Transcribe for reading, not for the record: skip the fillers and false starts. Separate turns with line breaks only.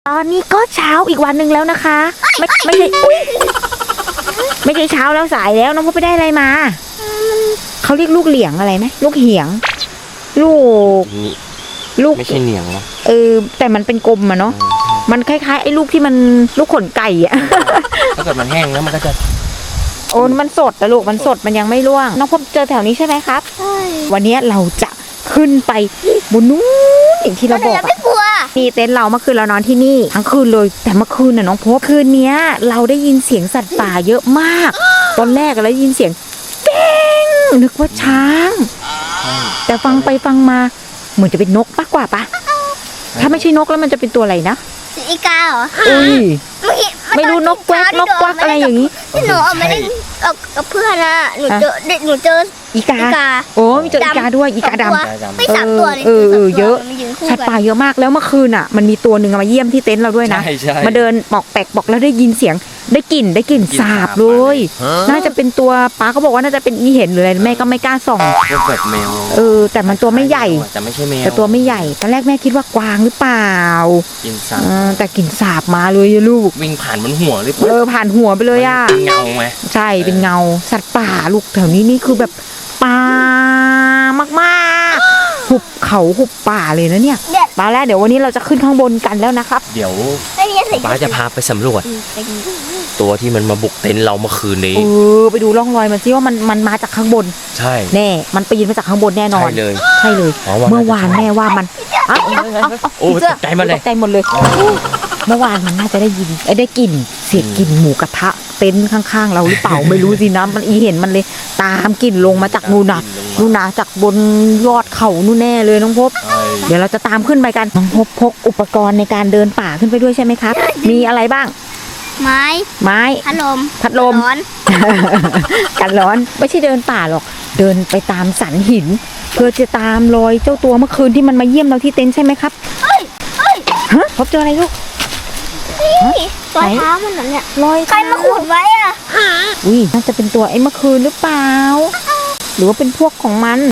ตอนนี้ก็เช้าอีกวันหนึ่งแล้วนะคะ ไม่ใช่ไม่ใช่เช้าแล้วสายแล้วน้องพบไปได้อะไรมาเขาเรียกลูกเหลียงอะไรไหมลูกเหียงลูก
ไม่ใช่เหนียงนะ
แต่มันเป็นกลมอะเนาะมันคล้ายๆไอ้ลูกที่มันลูกขนไก่อะ
ถ้าเกิดมันแห้งแล้วมันก็จะ
โอ้มันสดแต่ลูกมันสดมันยังไม่ร่วงน้องพบเจอแถวนี้ใช่ไหมครับใช่วันนี้เราจะขึ้นไปบนนู้นอย่างที่เราบอกมีเต็นท์เราเมื่อคืนเรานอนที่นี่ทั้งคืนเลยแต่เมื่อคืนน่ะน้องพบคืนนี้เราได้ยินเสียงสัตว์ป่าเยอะมากตอนแรกเราได้ยินเสียงเป้งนึกว่าช้างแต่ฟังไปฟังมาเหมือนจะเป็นนกมากกว่าปะถ้าไม่ใช่นกแล้วมันจะเป็นตัวอะไรนะ
อีกาเหรอ
ไม่รู้นกแกวกนกกวักอะไรอย่างนี้
ที่หนูเอามาเล่นกับเพื่อนอะหนูเจอ
อีกาโอ้มีเจออีกาด้วยอีกาดำ
ไม่3 ตัวเลย
เยอะสัตว์ป่าเยอะมากแล้วเมื่อคืนอ่ะมันมีตัวหนึ่งมาเยี่ยมที่เต็นท์เราด้วยนะมาเดินปอกแปกบอกแล้วได้ยินเสียงได้กลิ่นสาบเลยน่าจะเป็นตัวป้าเขาบอกว่าน่าจะเป็นอีเห็นหรืออะไรแม่ก็ไม่กล้าส่อง
แบบแมว
แต่มันตัวไม่ใหญ่
แต่ไม่ใช่แมว
แต่ตัวไม่ใหญ่ตอนแรกแม่คิดว่ากวางหรือเปล่า
กินสาบ
แต่กลิ่นสาบมาเลยลูก
วิ่งผ่านบนหัวเลย
ผ่านหัวไปเลยอ่ะ
เป็นเงาไหม
ใช่เป็นเงาสัตว์ป่าลูกแถวนี้นี่คือแบบป่ามากๆหุบเขาหุบป่าเลยนะเนี่ยมาแล้วเดี๋ยววันนี้เราจะขึ้นข้างบนกันแล้วนะครับ
เดี๋ยวป้าจะพาไปสำรวจตัวที่มันมาบุกเต็นท์เราเมื่อคืนนี้
ไปดูร่องรอยมันซิว่ามันมาจากข้างบน
ใช่
แน่มันปีนมาจากข้างบนแน่นอนใช่เลยเมื่อวานแม่ว่ามัน
โอ้ตกใจหมดเลย
ตกใจหมดเลยเมื่อวานมันน่าจะได้ยินได้กลิ่นเสียงกลิ่นหมูกระทะเต็นท์ข้างๆเราหรือเปล่าไม่รู้สินะมันเห็นมันเลยตามกลิ่นลงมาจากนู่นนะจากบนยอดเขานู่นแน่เลยน้องพบเดี๋ยวเราจะตามขึ้นไปกันน้องพบพกอุปกรณ์ในการเดินป่าขึ้นไปด้วยใช่ไหมครับมีอะไรบ้าง
ไม้พัดลม
กันร้อนไม่ใช่เดินป่าหรอกเดินไปตามสันหินเพื่อจะตามรอยเจ้าตัวเมื่อคืนที่มันมาเยี่ยมเราที่เต็นท์ใช่ไหมครับฮะพบเจออะไรลูก
รอยเท้ามันเนี่ย
รอย
ใครมาขุดไว้อ่ะ
น่าจะเป็นตัวไอ้เมื่อคืนหรือเปล่าหรือว่าเป็นพวกของมัน